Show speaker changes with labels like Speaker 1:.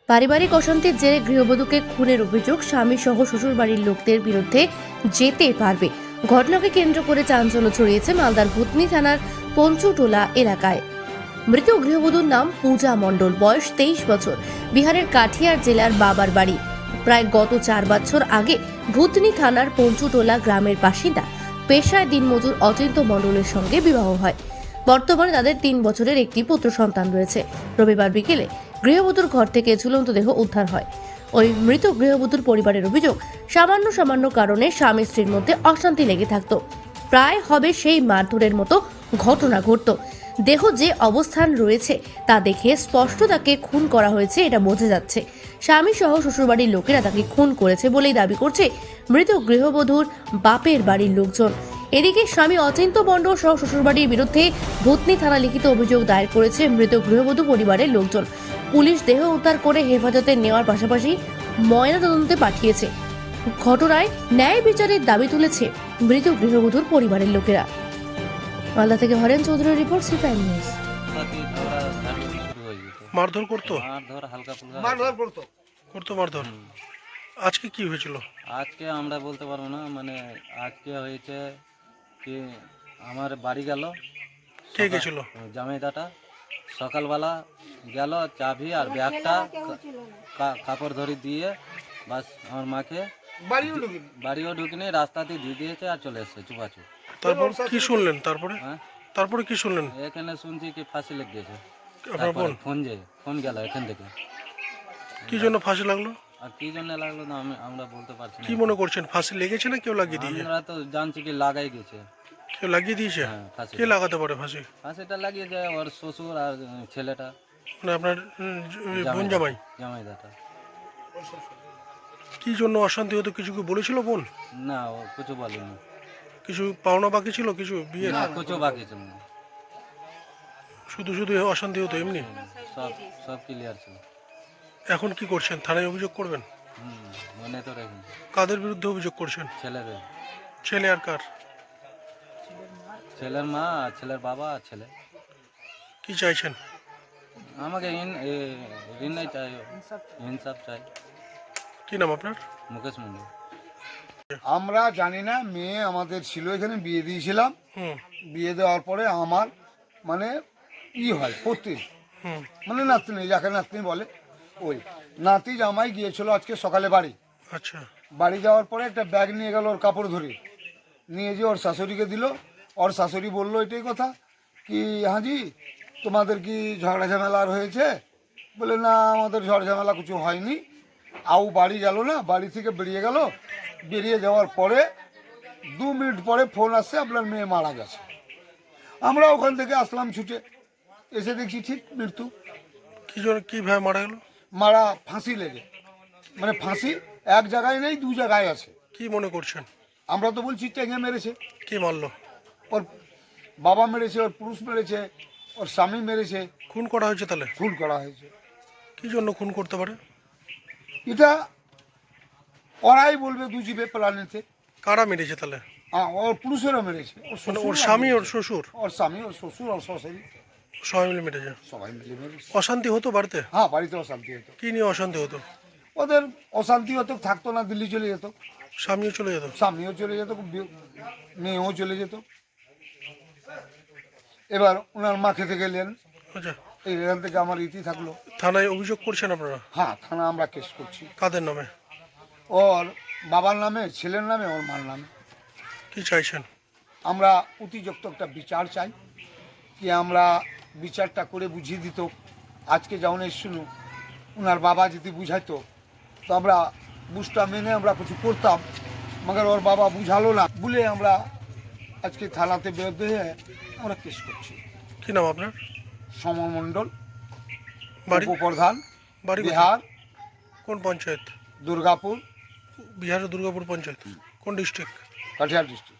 Speaker 1: পারিবারিক অশান্তির জেরে গৃহবধূকে খুনের অভিযোগ, স্বামী সহ শ্বশুরবাড়ির লোকদের বিরুদ্ধে যেতে পারবে। ঘটনাকে কেন্দ্র করে চাঞ্চল্য ছড়িয়েছে মালদার ভূতনি থানার পঞ্চুটোলা এলাকায়। মৃত গৃহবধূর নাম পূজা মণ্ডল, বয়স 23 বছর, বিহারের কাঠিয়ার জেলার বাবার বাড়ি। প্রায় গত 4 বছর আগে ভূতনি থানার পঞ্চুটোলা গ্রামের বাসিন্দা পেশায় দিনমজুর অচিন্ত মণ্ডলের সঙ্গে বিবাহ হয়। বর্তমানে তাদের 3 বছরের একটি পুত্র সন্তান রয়েছে। রবিবার বিকেলে গৃহবধূর ঘর থেকে ঝুলন্ত দেহ উদ্ধার হয়। ওই মৃত গৃহবধূর পরিবারের অভিযোগ, সামান্য কারণে স্বামী স্ত্রীর মধ্যে অশান্তি লেগে থাকতো। প্রায় হবে সেই মারধরের মতো ঘটনা ঘটতো। দেহ যে অবস্থান রয়েছে তা দেখে স্পষ্ট তাকে খুন করা হয়েছে এটা বোঝা যাচ্ছে। স্বামী সহ শ্বশুরবাড়ির লোকেরা তাকে খুন করেছে বলেই দাবি করছে মৃত গৃহবধূর বাপের বাড়ির লোকজন। এদিকে স্বামী অচিন্ত মণ্ডল সহ শ্বশুরবাড়ির বিরুদ্ধে ভূতনি থানা লিখিত অভিযোগ দায়ের করেছে মৃত গৃহবধূ পরিবারের লোকজন। পুলিশ দেহ উদ্ধার করে হেফাজতে নেওয়ার পাশাপাশি ময়নাতদন্তে পাঠিয়েছে। ঘটনায় ন্যায় বিচারের দাবি তুলেছে মৃত গৃহবধূর পরিবারের লোকেরা। মালদা থেকে হরেন চৌধুরীর রিপোর্ট, সি প্রাইম নিউজ।
Speaker 2: মারধর করতো?
Speaker 3: মারধর হালকা ফুলকা
Speaker 2: মারধর করতো মারধর। আজকে কি হয়েছিল?
Speaker 3: আজকে আমরা বলতে পারবো না, মানে আজকে হয়েছে কি আমার বাড়ি গেল,
Speaker 2: কে গেছিল?
Speaker 3: জামাইদাটা সকালবেলা গেল, চাবি আর ব্যাগটা কাপড় ধরে দিয়ে বাস আমার মাকে বাড়িও ঢুকিনি, রাস্তাতে দিয়ে দিয়েছে আর চলে এসছে চুপাচুপ।
Speaker 2: তারপর কি শুনলেন?
Speaker 3: হ্যাঁ,
Speaker 2: তারপরে কি শুনলেন?
Speaker 3: এখানে শুনছি কি ফাঁসি লেগে গেছে।
Speaker 2: আপনার বোন?
Speaker 3: ফোন গেল এখান থেকে।
Speaker 2: কি জন্য ফাঁসি লাগলো?
Speaker 3: আর কি জন্য লাগলো না আমরা বলতে পারছি না।
Speaker 2: কি মনে করছেন, ফাঁসি লেগেছে না কেউ লাগিয়ে দিয়েছে?
Speaker 3: আমরা তো জানছি কি লাগাই গেছে।
Speaker 2: কেউ লাগিয়ে দিয়েছে?
Speaker 3: হ্যাঁ, ফাঁসি।
Speaker 2: কে লাগাতে পারে ফাঁসি?
Speaker 3: ফাঁসিটা লাগিয়ে যায় ওর শ্বশুর আর ছেলেটা,
Speaker 2: মানে আপনার বোন জামাই?
Speaker 3: জামাইদাটা।
Speaker 2: কি জন্য অশান্তি হতো কিছু কি বলেছিল বোন?
Speaker 3: না, ও কিছু বলেনি।
Speaker 2: কিছু পাওনা বাকি ছিল, কিছু বিয়ে?
Speaker 3: না, কিছু বাকি ছিল না।
Speaker 2: শুধু অশান্তি হতো এমনি?
Speaker 3: সব ক্লিয়ার ছিল।
Speaker 2: এখন কি করছেন? থানায় অভিযোগ করবেন?
Speaker 3: মনে তো রেখে।
Speaker 2: কাদের বিরুদ্ধে অভিযোগ করছেন?
Speaker 3: ছেলের
Speaker 2: ছেলে আর কার?
Speaker 3: ছেলের মা আর ছেলের বাবা আর ছেলে।
Speaker 2: কি চাইছেন?
Speaker 3: আমাকে ঋণ নাই চাই, ইনসাফ চাই।
Speaker 2: কি নাম আপনার?
Speaker 3: মুকেশ মন্ডল।
Speaker 4: আমরা জানি না, মেয়ে আমাদের ছিল, এখানে বিয়ে দিয়েছিলাম।
Speaker 2: হুম
Speaker 4: বিয়ে দেওয়ার পরে আমার মানে হয় পত্রী,
Speaker 2: হুম
Speaker 4: মানে নাতনি, যাকে নাতনি বলে, ওই নাতি জামাই গিয়েছিল আজকে সকালে বাড়ি।
Speaker 2: আচ্ছা।
Speaker 4: বাড়ি যাওয়ার পরে একটা ব্যাগ নিয়ে গেল, ওর কাপড় ধরে নিয়ে যে ওর শাশুড়িকে দিল। ওর শাশুড়ি বললো এটাই কথা কি, হাজি তোমাদের কি ঝগড়া ঝামেলা আর হয়েছে? বলে না, আমাদের ঝড় ঝামেলা কিছু হয়নি। আউ বাড়ি গেল না, বাড়ি থেকে বেরিয়ে গেল। বেরিয়ে যাওয়ার পরে 2 মিনিট পরে ফোন আসছে, আপনার মেয়ে মারা গেছে। আমরা ওখান থেকে আসলাম ছুটে, এসে দেখছি ঠিক মৃত্যু।
Speaker 2: কি জন্য, কিভাবে মারা গেল?
Speaker 4: মারা ফাঁসি লেগে, মানে ফাঁসি এক জায়গায় নেই, 2 জায়গায় আছে।
Speaker 2: কি মনে করছেন?
Speaker 4: আমরা তো বলছি টেঙে মেরেছে।
Speaker 2: কে মারলো?
Speaker 4: ওর বাবা মেরেছে, ওর পুরুষ মেরেছে, ওর স্বামী মেরেছে।
Speaker 2: খুন করা হয়েছে তাহলে?
Speaker 4: খুন করা হয়েছে।
Speaker 2: কি জন্য খুন করতে পারে?
Speaker 4: এটা ওরাই বলবে, দুজিবে প্ল্যানেতে।
Speaker 2: কারা মেরেছে তাহলে?
Speaker 4: ওর পুরুষেরও মেরেছে,
Speaker 2: মানে ওর স্বামী, ওর শ্বশুর?
Speaker 4: ওর স্বামী, ওর শ্বশুর, ওর শ্বশুরি
Speaker 2: সবাই মিলে মেরেছে?
Speaker 4: সবাই মিলে মেরেছে।
Speaker 2: অশান্তি হতো বাড়িতে?
Speaker 4: হ্যাঁ, বাড়িতে অশান্তি হতো।
Speaker 2: কি নিয়ে অশান্তি হতো?
Speaker 4: ওদের অশান্তি হতো, থাকতো না, দিল্লি চলে যেত।
Speaker 2: স্বামীও চলে যেত?
Speaker 4: স্বামীও চলে যেত, মেয়েও চলে যেত। এবার ওনার মা খেতে গেলেন,
Speaker 2: আচ্ছা।
Speaker 4: এখান থেকে আমার ইতি থাকলো।
Speaker 2: থানায় অভিযোগ করছেন আপনারা?
Speaker 4: হ্যাঁ, থানা আমরা কেস করছি।
Speaker 2: কাদের নামে?
Speaker 4: ওর বাবার নামে, ছেলের নামে, ওর মার নামে।
Speaker 2: কি চাইছেন?
Speaker 4: আমরা অতিযুক্ত একটা বিচার চাই, কি আমরা বিচারটা করে বুঝিয়ে দিত। আজকে যেমন শুনু, ওনার বাবা যদি বুঝাইতো তো আমরা বুঝটা মেনে আমরা কিছু করতাম, মগর ওর বাবা বুঝালো না বলে আমরা আজকে থানাতে বিরুদ্ধে হয়ে আমরা কেস করছি।
Speaker 2: কি নাম আপনার?
Speaker 4: সমর মণ্ডল,
Speaker 2: বাড়ি?
Speaker 4: উপপ্রধান,
Speaker 2: বাড়ি
Speaker 4: বিহার।
Speaker 2: কোন পঞ্চায়েত?
Speaker 4: দুর্গাপুর,
Speaker 2: বিহারের দুর্গাপুর পঞ্চায়েত। কোন ডিস্ট্রিক্ট?
Speaker 4: কাঠিয়ার ডিস্ট্রিক্ট।